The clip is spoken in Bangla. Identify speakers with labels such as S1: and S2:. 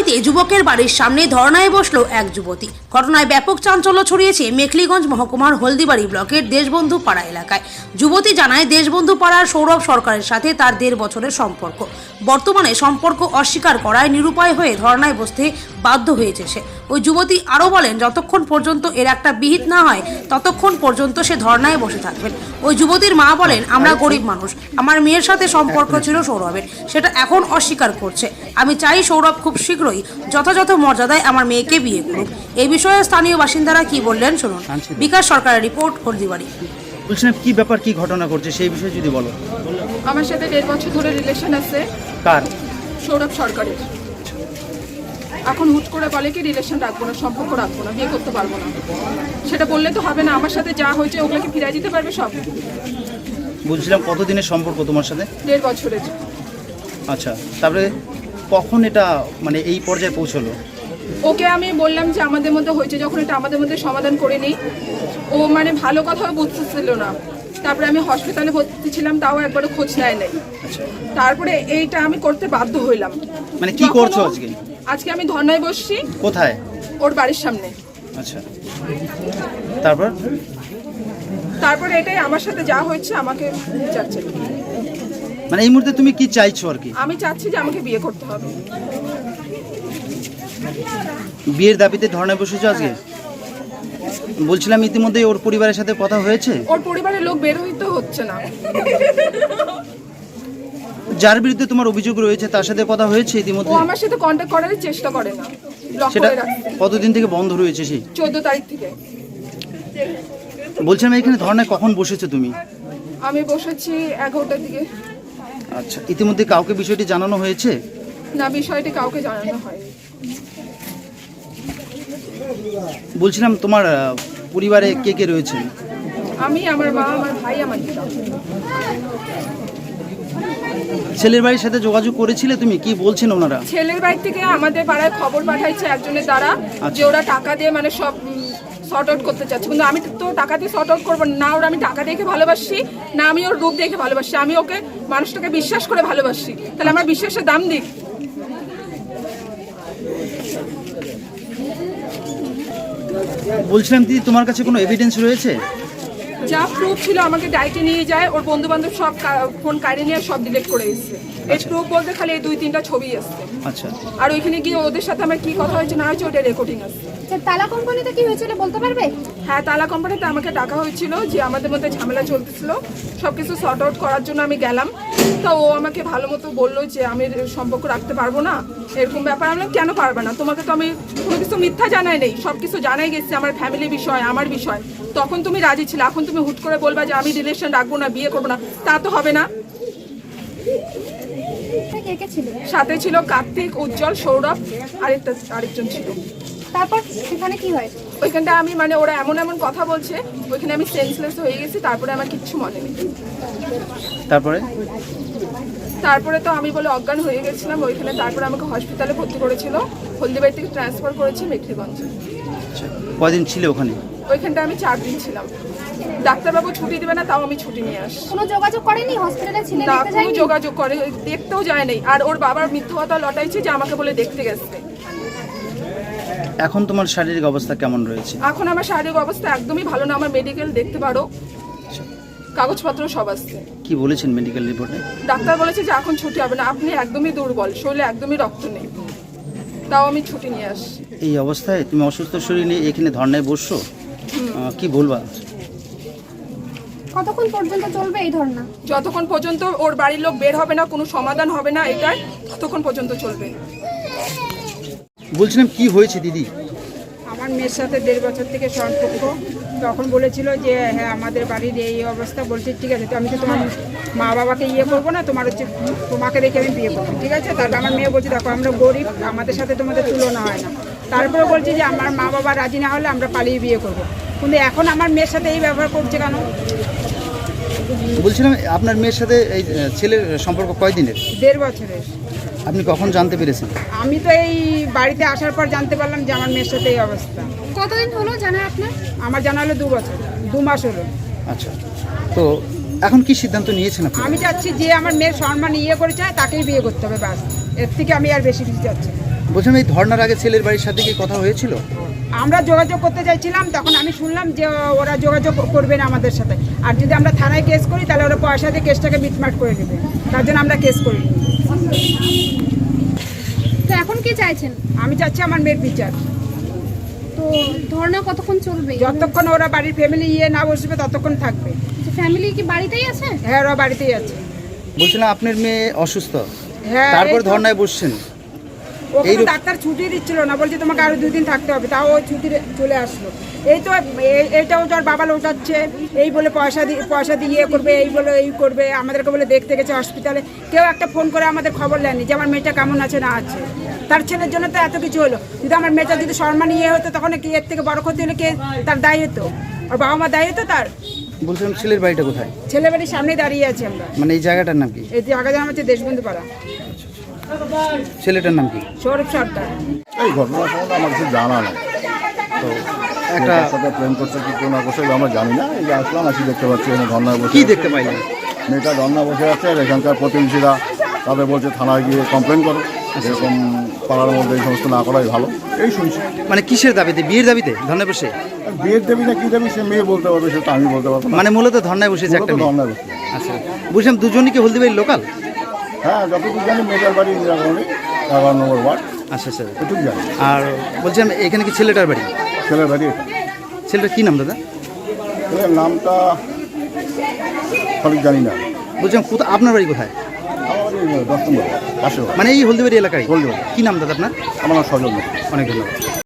S1: বাড়িতে যুবকের বাড়ির সামনে ধর্নায় বসলো এক যুবতী। ঘটনায় ব্যাপক চাঞ্চল্য ছড়িয়েছে মেখলিগঞ্জ মহকুমার হলদিবাড়ি ব্লকের দেশবন্ধু পাড়া এলাকায়। যুবতী জানায়, দেশবন্ধু পাড়ার সৌরভ সরকারের সাথে তার 1.5 বছরের সম্পর্ক। বর্তমানে সম্পর্ক অস্বীকার করায় নিরুপায় হয়ে ধর্নায় বসতে বাধ্য হয়েছে সে। ওই যুবতী আরও বলেন, যতক্ষণ পর্যন্ত এর একটা বিহিত না হয় ততক্ষণ পর্যন্ত সে ধর্নায় বসে থাকবেন। ওই যুবতীর মা বলেন, আমরা গরিব মানুষ, আমার মেয়ের সাথে সম্পর্ক ছিল সৌরভের, সেটা এখন অস্বীকার করছে। আমি চাই সৌরভ খুব শীঘ্রই যথাযথ মর্যাদায় আমার মেয়েকে বিয়ে করুক। এই বিষয়ে স্থানীয় বাসিন্দারা কি বললেন শুনুন। বিকাশ সরকারের রিপোর্ট, হলদিবাড়ি।
S2: বলছিলাম কি ব্যাপার, কি ঘটনা ঘটছে সেই বিষয়ে যদি বলো।
S3: আমার সাথে 1.5 বছর ধরে রিলেশন আছে।
S2: কার?
S3: সৌরভ সরকারের। এখন হুট করে বলে কি রিলেশন রাখবো না, সম্পর্ক রাখবো না, বিয়ে করতে পারবো না। সেটা বললে তো হবে না, আমার সাথে যা হয়েছে ওগুলোকে ফিরিয়ে দিতে পারবে সব।
S2: বলছিলাম কতদিনের সম্পর্ক তোমার সাথে?
S3: 1.5 বছরের।
S2: আচ্ছা, তারপরে কখন এটা মানে এই পর্যায়ে পৌঁছলো?
S3: ওকে আমি বললাম যে আমাদের মধ্যে হয়েছে, যখন এটা আমাদের মধ্যে সমাধান করে নিই। ও মানে ভালো কথাও বুঝতেছিল না। তারপরে আমি হসপিটালে ভর্তি ছিলাম, তাও একবারও খোঁজ নেয় নাই। তারপরে এইটা আমি করতে বাধ্য হইলাম।
S2: মানে কি করছো আজকে?
S3: আজকে আমি ধর্নায় বসছি।
S2: কোথায়?
S3: ওর বাড়ির সামনে।
S2: আচ্ছা, তারপরে
S3: এটাই আমার সাথে যা হয়েছে আমাকে চাচ্ছে।
S2: মানে এই মুহূর্তে তুমি কি চাইছো আর কি?
S3: আমি চাচ্ছি যে আমাকে বিয়ে করতে হবে।
S2: বিয়ের দাবিতে ধর্নায় বসেছো আজকে? বলছিলাম ইতিমধ্যে ওর পরিবারের সাথে কথা হয়েছে?
S3: ওর পরিবারের লোক বের হইতে হচ্ছে না।
S2: যার বিরুদ্ধে তোমার অভিযোগ রয়েছে তার সাথে কথা হয়েছে ইতিমধ্যে?
S3: ও আমার সাথে কন্টাক্ট করার চেষ্টা করে না।
S2: সেটা কতদিন থেকে বন্ধ রয়েছে? সেই
S3: 14 তারিখ থেকে।
S2: বলছিলাম এখানে ধর্নায় কখন বসেছো তুমি?
S3: আমি বসেছি 11টার দিকে।
S2: আচ্ছা, ইতিমধ্যে কাউকে বিষয়টি জানানো হয়েছে?
S3: না, বিষয়টি কাউকে জানানো হয়।
S2: বলছিলাম তোমার পরিবারে কে কে রয়েছে?
S3: আমি, আমার মা, আমার ভাই, আমার দিদা।
S2: ছেলের বাড়ির সাথে যোগাযোগ করেছিলে তুমি? কি বলছেন ওনারা?
S3: ছেলের বাড়ি থেকে আমাদের পাড়ায় খবর পাঠাইছে একজনের দ্বারা যে ওরা টাকা দিয়ে মানে সব শর্ট আউট করতে চাচ্ছে। কিন্তু আমি তো টাকা দিয়ে শর্ট আউট করবো না। ওরা আমি টাকা দেখে ভালোবাসি না, আমি ওর রূপ দেখে ভালোবাসি। আমি ওকে মানুষটাকে বিশ্বাস করে ভালোবাসি, তাহলে আমার বিশ্বাসের দাম দিক।
S2: বলছিলাম দিদি, তোমার কাছে কোনো এভিডেন্স রয়েছে?
S3: যা প্রুফ ছিল আমাকে ডাইটে নিয়ে যায়, ওর বন্ধু বান্ধব সব ফোন কাড়ে নিয়ে সব ডিলিট করে এসেছে। এই প্রুফ বলতে খালি এই 2-3টা ছবি আসছে।
S2: আচ্ছা,
S3: আর ওইখানে গিয়ে ওদের সাথে আমার কি কথা হয়েছে না হয়েছে ওটা রেকর্ডিং আছে।
S4: তালা কোম্পানিতে কি হয়েছিল বলতে পারবে?
S3: হ্যাঁ, তালা কোম্পানিতে আমাকে ডাকা হয়েছিল যে আমাদের মধ্যে ঝামেলা চলতেছিল, সবকিছু সর্ট আউট করার জন্য আমি গেলাম। তো ও আমাকে ভালো মতো বললো যে আমি সম্পর্ক রাখতে পারবো না, এরকম ব্যাপার। আমি কেন পারবে না? তোমাকে তো আমি কোনো কিছু মিথ্যা জানাই নেই, সব কিছু জানাই গেছে, আমার ফ্যামিলি বিষয়, আমার বিষয়। তখন তুমি রাজি ছিলে, এখন তুমি হুট করে বলবা যে আমি রিলেশন রাখবো না, বিয়ে করবো না, তা তো হবে না। সাথে ছিল কার্তিক, উজ্জ্বল, সৌরভ, আরেকজন ছিল।
S4: তারপর সেখানে কি হয়?
S3: ওইখানটা আমি মানে ওরা এমন এমন কথা বলছে, ওইখানে আমি সেন্সলেস হয়ে গেছি। তারপরে আমার কিচ্ছু মনে নেই। তারপরে তো আমি বলে অজ্ঞান হয়ে গেছিলাম ওইখানে। তারপরে আমাকে হসপিটালে ভর্তি করেছিল, হলদিবাড়ি থেকে ট্রান্সফার করেছি মেখলিগঞ্জে।
S2: কয়দিন ছিল ওখানে?
S3: ওইখানটা আমি 4 দিন ছিলাম। ডাক্তারবাবু ছুটি দেবে না, তাও আমি ছুটি নিয়ে আসি।
S4: কোনো যোগাযোগ করেনি হসপিটালে? ছিলেন
S3: না, কোনো যোগাযোগ করে দেখতেও যায় নাই। আর ওর বাবার মিথ্যা কথা লটাইছে যে আমাকে বলে দেখতে গেছে।
S2: এখন তোমার শারীরিক অবস্থা কেমন রয়েছে?
S3: এখন আমার শারীরিক অবস্থা একদমই ভালো না। আমার মেডিকেল দেখতে পারো, কাগজপত্র সব আসছে।
S2: কি বলেছেন মেডিকেল রিপোর্টে?
S3: ডাক্তার বলেছে যে এখন ছুটি হবে না, আপনি একদমই দুর্বল, শরীরে একদমই রক্ত নেই, তাও আমি ছুটি নিয়ে আসি।
S2: এই অবস্থায় তুমি অসুস্থ শরীর নিয়ে এখানে ধর্নায় বসছো, কি বলবা?
S4: কতক্ষণ পর্যন্ত চলবে এই ধর্না?
S3: যতক্ষণ পর্যন্ত ওর বাড়ির লোক বের হবে না, কোনো সমাধান হবে না এটাই, ততক্ষণ পর্যন্ত চলবে।
S2: বলছিলাম কি হয়েছে দিদি?
S5: আমার মেয়ের সাথে 1.5 বছর থেকে সম্পর্ক। তখন বলেছিল যে হ্যাঁ আমাদের বাড়ির এই অবস্থা। বলছে ঠিক আছে, তো আমি তো তোমার মা বাবাকে ইয়ে করবো না, তোমাকে দেখে আমি বিয়ে করবো, ঠিক আছে। তারপর আমার মেয়ে বলছে দেখো আমরা গরিব, আমাদের সাথে তোমাদের তুলনা হয় না। তারপরে বলছে যে আমার মা বাবা রাজি না হলে আমরা পালিয়ে বিয়ে করবো। কিন্তু এখন আমার মেয়ের সাথে এই ব্যবহার করছে কেন?
S2: বলছিলাম আপনার মেয়ের সাথে এই ছেলের সম্পর্ক কয়দিনের?
S5: 1.5 বছরের।
S2: আপনি কখন জানতে পেরেছেন?
S5: আমি তো এই বাড়িতে আসার পর জানতে পারলাম যে আমার মেয়ের সাথে এই অবস্থা।
S4: কতদিন হলো জানা আপনার?
S5: আমার জানা হলো 2 বছর, 2 মাস হলো।
S2: আচ্ছা, তো এখন কি সিদ্ধান্ত নিয়েছেন আপনি?
S5: আমি চাচ্ছি যে আমার মেয়ের সম্মান ইয়ে করে চায় তাকেই বিয়ে করতে হবে, বাস। এর থেকে আমি আর বেশি কিছু চাচ্ছি না।
S2: বলছিলাম এই ধর্নার আগে ছেলের বাড়ির সাথে কি কথা হয়েছিল?
S5: আমরা যোগাযোগ করতে চাইছিলাম, তখন আমি শুনলাম যে ওরা যোগাযোগ করবে না আমাদের সাথে, আর যদি আমরা থানায় কেস করি তাহলে ওরা পয়সা দিয়ে কেসটাকে মিটমাট করে দেবে, তার জন্য আমরা কেস করিনি।
S4: তো এখন কি চাইছেন?
S5: আমি চাচ্ছি আমার মেয়ের বিচার।
S4: তো ধর্ণা কতক্ষণ চলবে?
S5: যতক্ষণ ওরা বাড়ির ফ্যামিলি না বসবে ততক্ষণ থাকবে।
S4: ফ্যামিলি কি বাড়িতেই আছে?
S5: হ্যাঁ, ওরা বাড়িতেই আছে।
S2: বলছিলাম আপনার মেয়ে অসুস্থ,
S5: হ্যাঁ,
S2: তারপর
S5: এই তো।
S2: ধর্নায় বসছেন।
S5: ওকে
S2: এইরূপ-
S5: ডাক্তার ছুটি দিচ্ছিল না, বলছে তোমাকে আরো 2 দিন থাকতে হবে, তাও ওই ছুটি চলে আসলো। এই তো এইটাও তোর বাবা লোটাচ্ছে, এই বলে পয়সা দিয়ে ইয়ে করবে, এই বলে এই করবে, আমাদেরকে বলে দেখতে গেছে হসপিটালে, কেউ একটা ফোন করে আমাদের খবর নেয়নি যে আমার মেয়েটা কেমন আছে না আছে। তার ছেলের জন্য তো এত কিছু হলো, যদি আমার মেয়েটা যদি সম্মান ইয়ে হতো তখন কি এর থেকে বড় ক্ষতি হলে কে তার দায়ী হতো? আর বাবা মা দায়ী হতো তার?
S2: বলছিলাম ছেলের বাড়িটা কোথায়?
S5: ছেলে বাড়ির সামনেই দাঁড়িয়ে আছি আমরা।
S2: মানে এই জায়গাটার নাম কি?
S5: এই জায়গা জানা হচ্ছে দেশবন্ধু পাড়া।
S2: ছেলেটার নাম কি?
S5: সৌরভ সরকার।
S6: এই ঘটনা সম্বন্ধে আমার কিছু জানা নেই। তো
S2: একটা
S6: মেয়েটার সাথে প্রেম করছে কি কোনো করছে আমরা জানি না। এই যে আসলাম, আসি দেখতে পাচ্ছি এখানে ধর্নায় বসে
S2: কি
S6: আছে।
S2: দেখতে পাইলেন?
S6: মেয়েটা ধর্না বসে আছে, আর এখানকার প্রতিবেশীরা তাদের বলছে থানায় গিয়ে কমপ্লেন করো, এরকম পাড়ার মধ্যে এই সমস্ত না করাই ভালো। এই শুনছি।
S2: মানে কিসের দাবিতে? বিয়ের দাবিতে ধর্নায় বসে?
S6: আর বিয়ের দেবী না কি দেবী সে মেয়ে বলতে পারবে, সেটা আমি বলতে পারবো না।
S2: মানে মূলত ধর্নায় বসেছে একটা মেয়ে।
S6: ধর্নায় বসে।
S2: আচ্ছা, বলছিলাম দুজনই কি হলদিবাড়ির লোকাল?
S6: হ্যাঁ, যতটুকু জানি মেয়েটার বাড়ি ইন্দিরাগণি 11 নম্বর ওয়ার্ড,
S2: আচ্ছা স্যার।
S6: এটুকু জানি।
S2: আর বলছিলাম এখানে কি ছেলেটার বাড়ি?
S6: ছেলের বাড়ি এটা।
S2: ছেলেটার কি নাম দাদা?
S6: ছেলের নামটা সঠিক জানি না।
S2: বলছিলাম কোথায়, আপনার বাড়ি কোথায়?
S6: আমার বাড়ি 10 নম্বর পাশে।
S2: মানে এই হলদিবাড়ি এলাকায়?
S6: হলদিবাড়ি।
S2: কি নাম দাদা আপনার?
S6: আমার নাম সজল।
S2: অনেক ধন্যবাদ।